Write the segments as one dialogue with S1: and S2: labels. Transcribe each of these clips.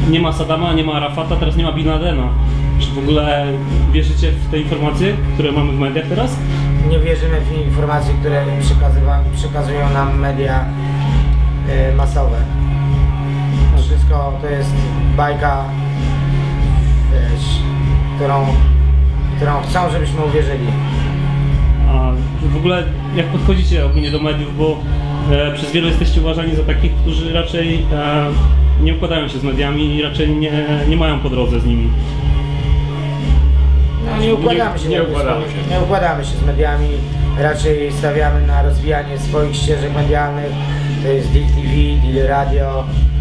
S1: nie ma Saddama, nie ma Arafata, teraz nie ma Bin Ladena. Czy w ogóle wierzycie w te informacje, które mamy w mediach teraz?
S2: Nie wierzymy w informacje, które przekazują nam media masowe. Wszystko to jest bajka, wiesz, którą chcą, żebyśmy uwierzyli.
S1: A w ogóle jak podchodzicie ogólnie do mediów, bo przez wielu jesteście uważani za takich, którzy raczej nie układają się z mediami i raczej nie mają po drodze z nimi.
S2: No, nie układamy się z mediami, raczej stawiamy na rozwijanie swoich ścieżek medialnych. To jest Deal TV, Deal Radio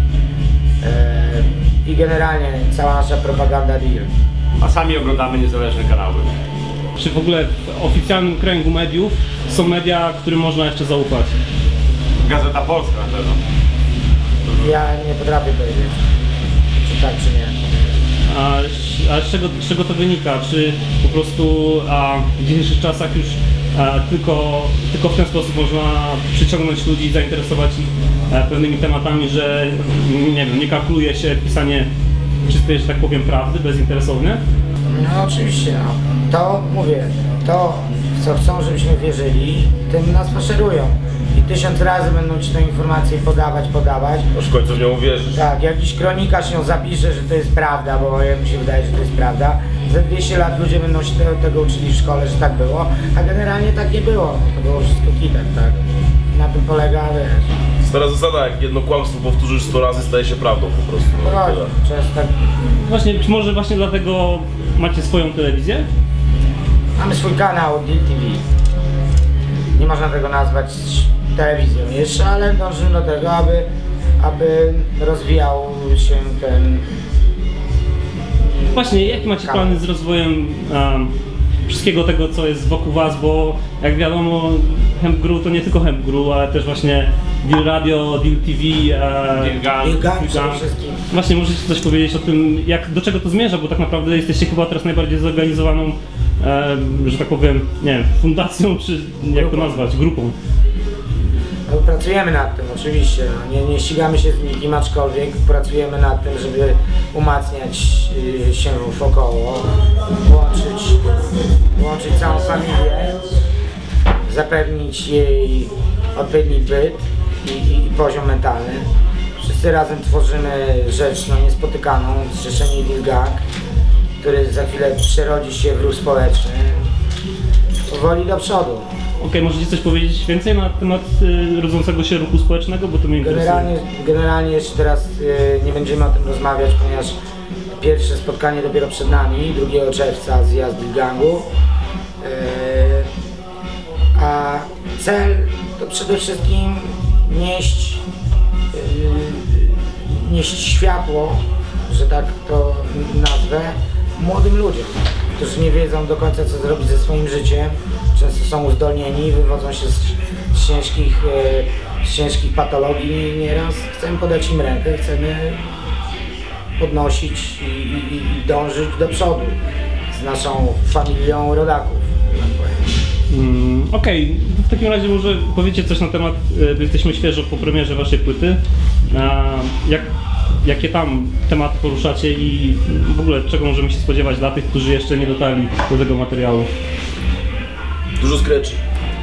S2: i generalnie cała nasza propaganda Deal.
S3: A sami oglądamy niezależne kanały.
S1: Czy w ogóle w oficjalnym kręgu mediów są media, którym można jeszcze zaufać?
S3: Gazeta Polska na pewno.
S1: Ja nie potrafię powiedzieć, czy tak, czy nie. A z czego to wynika? Czy po prostu w dzisiejszych czasach już tylko w ten sposób można przyciągnąć ludzi i zainteresować ich pewnymi tematami, że nie wiem, nie kalkuluje się pisanie czystej, że tak powiem, prawdy, bezinteresownie?
S2: No oczywiście, no. To mówię, to co chcą, żebyśmy wierzyli, tym nas faszerują. I 1000 razy będą ci tę informację podawać.
S4: Już w końcu w nią uwierzysz.
S2: Tak, jakiś kronikarz ją zapisze, że to jest prawda, bo mi się wydaje, że to jest prawda. Za 200 lat ludzie będą się tego uczyli w szkole, że tak było, a generalnie tak nie było. To było wszystko kitek, tak? Na tym polega, wiesz.
S4: Stara zasada, jak jedno kłamstwo powtórzysz 100 razy, staje się prawdą po prostu. No,
S2: tak.
S1: Właśnie, czy może właśnie dlatego macie swoją telewizję?
S2: Mamy swój kanał Deal TV. Nie można tego nazwać telewizją jeszcze, ale dążymy do tego, aby rozwijał się ten...
S1: Właśnie, jakie macie plany z rozwojem wszystkiego tego, co jest wokół was, bo jak wiadomo, Hemp Gru to nie tylko Hemp Gru, ale też właśnie Deal Radio, Deal TV,
S2: Deal Gang przede wszystkim.
S1: Właśnie, możecie coś powiedzieć o tym, do czego to zmierza, bo tak naprawdę jesteście chyba teraz najbardziej zorganizowaną, że tak powiem, nie wiem, fundacją, czy jak to nazwać, grupą.
S2: No, pracujemy nad tym oczywiście, nie ścigamy się z nikim, aczkolwiek pracujemy nad tym, żeby umacniać się wokoło, łączyć całą familię, zapewnić jej odpowiedni byt i poziom mentalny. Wszyscy razem tworzymy rzecz niespotykaną, zrzeszenie Deal Gang, który za chwilę przerodzi się w ruch społeczny, powoli do przodu.
S1: Okej, możecie coś powiedzieć więcej na temat rodzącego się ruchu społecznego, bo to mnie interesuje.
S2: Generalnie jeszcze teraz nie będziemy o tym rozmawiać, ponieważ pierwsze spotkanie dopiero przed nami, 2 czerwca zjazd Deal Gangu. A cel to przede wszystkim nieść światło, że tak to nazwę, młodym ludziom, którzy nie wiedzą do końca, co zrobić ze swoim życiem. Często są uzdolnieni, wywodzą się z ciężkich patologii. Nieraz chcemy podać im rękę, chcemy podnosić i dążyć do przodu z naszą familią rodaków.
S1: Okej, w takim razie może powiecie coś na temat, jesteśmy świeżo po premierze waszej płyty, jakie tam tematy poruszacie i w ogóle czego możemy się spodziewać dla tych, którzy jeszcze nie dotarli do tego materiału?
S4: Dużo scratchy.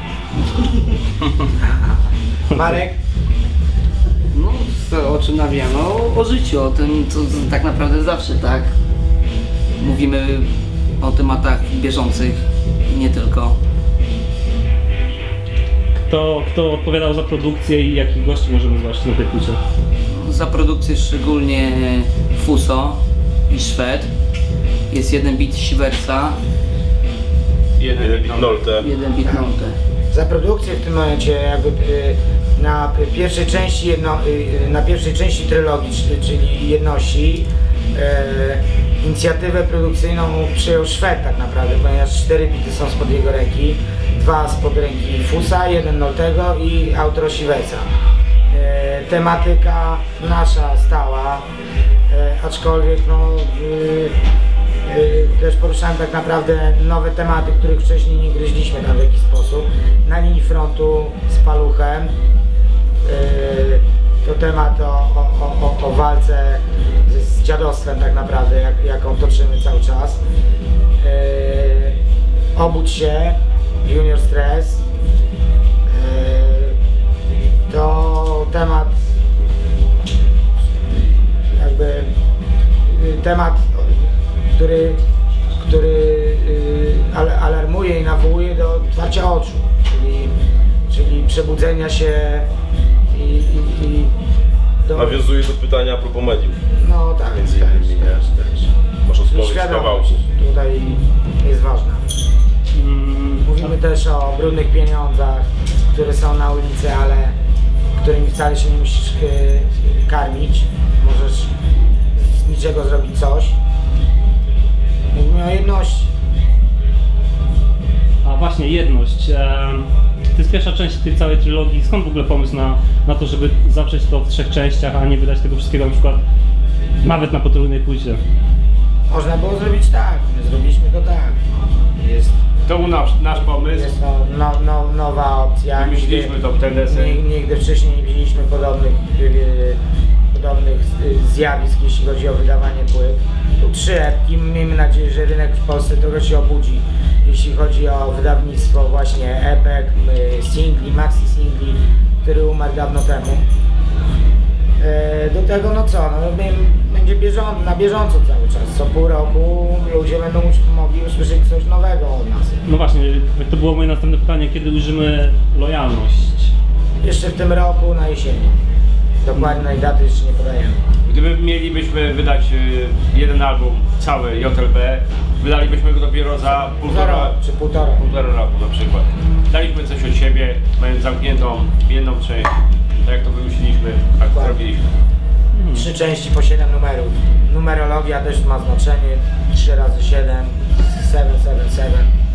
S2: Marek?
S5: No, o czym nawijamy? O życiu, o tym, co tak naprawdę zawsze, tak? Mówimy o tematach bieżących i nie tylko.
S1: Kto odpowiadał za produkcję i jakich gości możemy zobaczyć na tej płycie?
S5: Za produkcję szczególnie Fuso i Szwed. Jest jeden beat Siwersa.
S4: Jeden beat Nolte.
S2: Za produkcję w tym momencie jakby na pierwszej części trylogii, czyli jedności, inicjatywę produkcyjną przyjął Szwed tak naprawdę, ponieważ 4 bity są spod jego ręki, 2 spod ręki Fusa, 1 Noltego i outro Siwersa. Tematyka nasza stała, aczkolwiek też poruszałem tak naprawdę nowe tematy, których wcześniej nie gryźliśmy tam w jakiś sposób. Na linii frontu z Paluchem to temat o walce z dziadostwem tak naprawdę, jaką toczymy cały czas. Obudź się, Junior Stress. To temat, który alarmuje i nawołuje do otwarcia oczu, czyli przebudzenia się i
S4: Nawiązuje do pytania a propos mediów.
S2: No tak,
S4: Między innymi,
S2: też.
S4: Masz odpowiedź w
S2: Świadomość
S4: kawałku.
S2: tutaj jest ważna. Mówimy też o brudnych pieniądzach, które są na ulicy, ale którymi wcale się nie musisz karmić. Możesz z niczego zrobić coś. Mówimy o jedności.
S1: A właśnie, jedność. To jest pierwsza część tej całej trylogii. Skąd w ogóle pomysł na to, żeby zawrzeć to w 3 częściach, a nie wydać tego wszystkiego na przykład nawet na potrójnej płycie?
S2: Można było zrobić tak, my zrobiliśmy to tak.
S3: To był nasz pomysł.
S2: Jest to nowa opcja.
S3: Wymyśliliśmy to w ten desen.
S2: Nigdy wcześniej nie widzieliśmy podobnych zjawisk, jeśli chodzi o wydawanie płyt. Tu 3 epki, miejmy nadzieję, że rynek w Polsce trochę się obudzi, jeśli chodzi o wydawnictwo właśnie epek, singli, maxi singli, który umarł dawno temu. Do tego będzie na bieżąco cały czas, co pół roku ludzie będą mogli usłyszeć coś nowego od nas.
S1: No właśnie, to było moje następne pytanie, kiedy ujrzymy lojalność?
S2: Jeszcze w tym roku na jesieni. Dokładnej daty jeszcze nie podajemy.
S3: Gdyby mielibyśmy wydać jeden album cały JLB, wydalibyśmy go dopiero za półtora roku na przykład. Daliśmy coś od siebie, mając zamkniętą jedną część, tak jak to wymyśliliśmy, tak to zrobiliśmy.
S2: 3 części po 7 numerów. Numerologia też ma znaczenie. 3 razy 7, 777.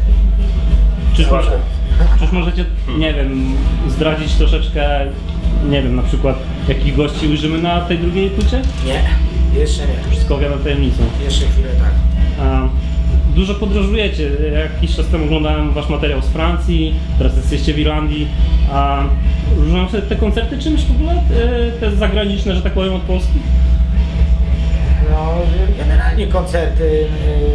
S1: Czyż możecie, nie wiem, zdradzić troszeczkę, nie wiem, na przykład jakich gości ujrzymy na tej drugiej płycie?
S2: Nie, jeszcze nie.
S1: Wszystko owiane tajemnicą.
S2: Jeszcze chwilę tak.
S1: Dużo podróżujecie. Jakiś czas temu oglądałem wasz materiał z Francji, teraz jesteście w Irlandii. Różnią się te koncerty czymś w ogóle? Te zagraniczne, że tak powiem, od Polski?
S2: No, generalnie koncerty,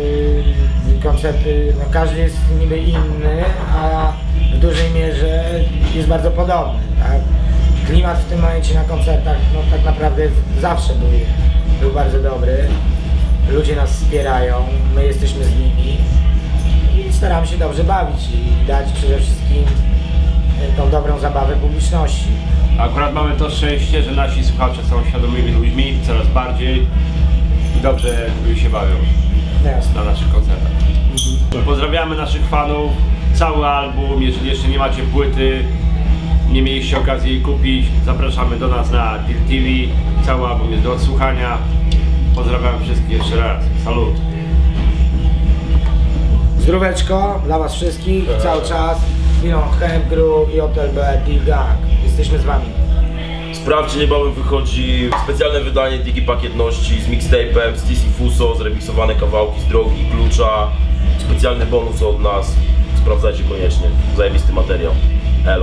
S2: no każdy jest niby inny, a w dużej mierze jest bardzo podobny, tak? Klimat w tym momencie na koncertach, no tak naprawdę zawsze był bardzo dobry. Ludzie nas wspierają, my jesteśmy z nimi i staramy się dobrze bawić i dać przede wszystkim tą dobrą zabawę publiczności.
S3: Akurat mamy to szczęście, że nasi słuchacze są świadomymi ludźmi, coraz bardziej i dobrze się bawią na naszych koncertach. Pozdrawiamy naszych fanów, cały album, jeżeli jeszcze nie macie płyty, nie mieliście okazji jej kupić, zapraszamy do nas na Deal TV, cały album jest do odsłuchania. Pozdrawiam wszystkich jeszcze raz, salut!
S2: Zdróweczko dla was wszystkich, cały czas, Hemp Group i JLB Deal Gang. Jesteśmy z wami.
S4: Sprawdźcie, niebawem wychodzi specjalne wydanie Digi Pakietności z mixtape'em, z TC Fuso, zremiksowane kawałki z Drogi, Klucza, specjalny bonus od nas. Sprawdzajcie koniecznie, zajebisty materiał. Elo.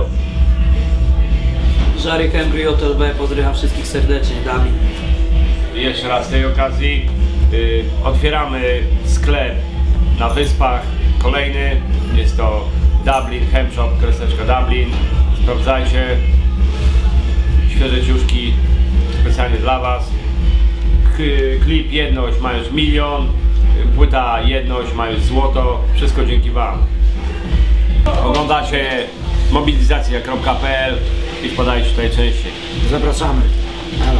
S5: Żary Kembry, JLB, pozdrawiam wszystkich serdecznie, Dami.
S3: Jeszcze raz z tej okazji otwieramy sklep na Wyspach, kolejny, jest to Dublin, Hemp Shop, Dublin, sprawdzajcie, świeże ciuszki specjalnie dla was, klip Jedność ma już 1 000 000, płyta Jedność ma już złoto, wszystko dzięki wam. Oglądacie mobilizacja.pl i wpadajcie tutaj częściej.
S2: Zapraszamy. Elo.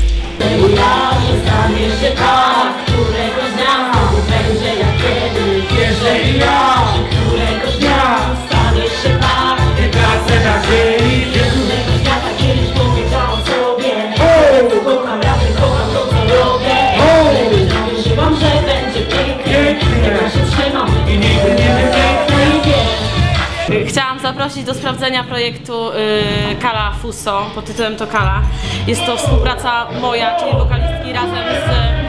S6: Stanie się tak, któregoś dnia będzie jak kiedyś. Jeżeli ja któregoś dnia stanie się tak, nie tracę nadziei. Któregoś dnia tak kiedyś powiedziałam sobie, kocham razy, kocham to co robię. Wierzyłam, że będzie pięknie, tego się trzymam i nigdy nie wypięknę i wiem.
S7: Chciałam zaprosić do sprawdzenia projektu Kala Fuso, pod tytułem to Kala. Jest to współpraca moja, czyli wokalistki, razem z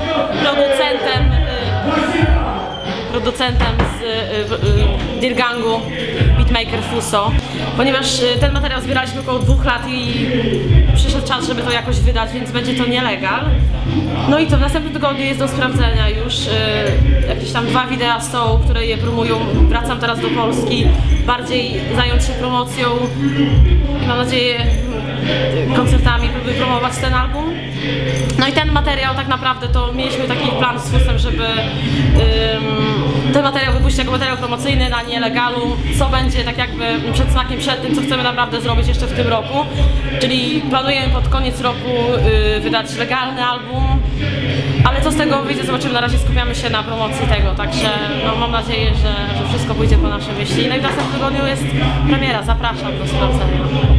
S7: producentem z Deal Gangu, beatmaker Fuso. Ponieważ ten materiał zbieraliśmy około 2 lat i przyszedł czas, żeby to jakoś wydać, więc będzie to nielegal. No i co, w następnym tygodniu jest do sprawdzenia już. Jakieś tam 2 wideo są, które je promują. Wracam teraz do Polski, bardziej zająć się promocją i mam nadzieję koncertami, by promować ten album. No i ten materiał tak naprawdę to mieliśmy taki plan z Fusem, żeby ten materiał wypuścić jako materiał promocyjny na nielegalu, co będzie tak jakby przedsmakiem przed tym, co chcemy naprawdę zrobić jeszcze w tym roku. Czyli planujemy pod koniec roku wydać legalny album, ale co z tego wyjdzie, zobaczymy. Na razie skupiamy się na promocji tego, także no, mam nadzieję, że wszystko pójdzie po naszej myśli. No i w następnym tygodniu jest premiera, zapraszam do sprawdzenia.